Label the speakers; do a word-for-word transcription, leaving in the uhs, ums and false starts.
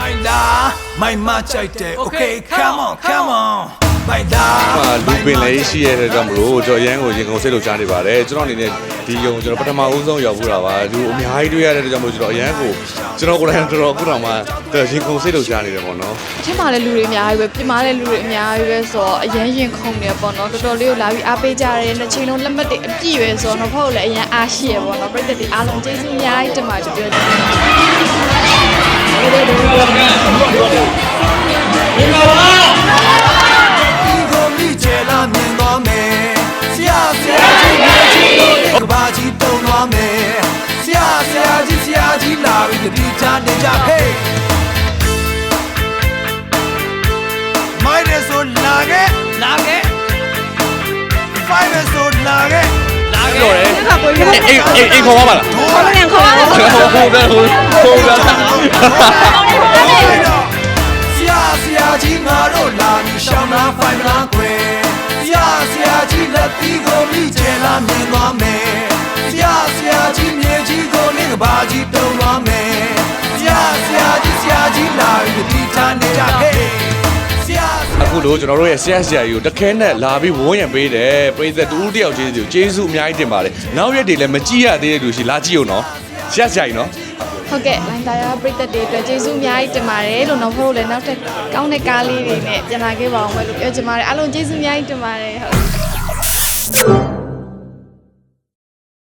Speaker 1: My machete, okay, come on, come on.
Speaker 2: လူပင်လည်းရှိရတဲ့ကြောင့်မလို့ကျွန်တော်ရန်ကိုရင်ကုန်စိတ်လို့ကြားနေပါတယ်ကျွန်တော်အနေနဲ့ဒီယုံကျွန်တော်ပထမဦးဆုံးရောက်ဖို့တာပါလူအများကြီးတွေ့ရတဲ့ကြောင့်မလို့ကျွန်တော်အရန်ကိုကျွန်တော်ကိုယ်တိုင်တော်တော်အခုတောင်မှရင်ကုန်စိတ်လို့ကြားနေတယ်ပေါ့နော်
Speaker 3: ထင်ပါလေလူတွေအများကြီးပဲပြင်မာတဲ့လူတွေအများကြီးပဲဆိုတော့အရန်ရင်ခုန်နေပေါ့နော်တော်တော်လေးကိုလာပြီးအားပေးကြတယ်တစ်ချိန်လုံးလက်မှတ်တွေအပြည့်ပဲဆိုတော့ဖောက်လည်းအရန်အားရှိရပေါ့နော်ပြည်သက်တွေအားလုံးကျေးဇူးအများကြီးတင်ပါတယ်ပြောချင်တယ်
Speaker 1: ကဘာကြီးတုံသွားမယ်ဆရာဆရာကြီးဆရာကြီးလာပြီးတတိချနေကြဟေးမိုင်းရဆိုလာခဲ့လာခဲ့ဖိုင်ရဆိုလာခဲ့လာခဲ့
Speaker 2: တော်တယ်အိမ်အိမ်အိမ်ခေါ်ပါလား
Speaker 3: ခေါ်ပြန်ခေါ်ပါလား
Speaker 2: ဟိုဟိုဟိုဟိုလာ
Speaker 1: ဆရာဆရာကြီးငါတို့လာပြီးရှောင်းလာဖိုင်မလားကွယ်ဆရာဆရာကြီးလက်သီးကိုမိကျဲလာမြင်သွားမယ်ဆရာဆရာကြီးမြေကြီးကိုလင်းကဘာကြီးတုံသွားမယ်ဆရာဆရာကြီးဆရာကြီးလာပြီးဒီထားနေကြဟေးဆရာ
Speaker 2: အခုလို့ကျွန်တော်တို့ရဲ့ဆရာဆရာကြီးကိုတခဲနဲ့လာပြီးဝန်းရံပေးတယ်ပရိသတ်တူတယောက်ချင်းစီကိုကျေးဇူးအများကြီးတင်ပါတယ်နောက်ရက်တွေလည်းမကြည့်ရသေးတဲ့လူရှိလာကြည့်အောင်နော်ဆရာဆရာကြီးနော်
Speaker 3: ဟုတ်ကဲ့လိုင်းသားရပြည်သက်တွေအတွက်ကျေးဇူးအများကြီးတင်ပါတယ်လို့နောက်ဖို့လည်းနောက်ထပ်ကောင်းတဲ့ကားလေးတွေနဲ့ပြန်လာခဲ့ပါအောင်မယ်လို့ပြောချင်ပါတယ်အားလုံးကျေးဇူးအများကြီးတင်ပါတယ်ဟုတ်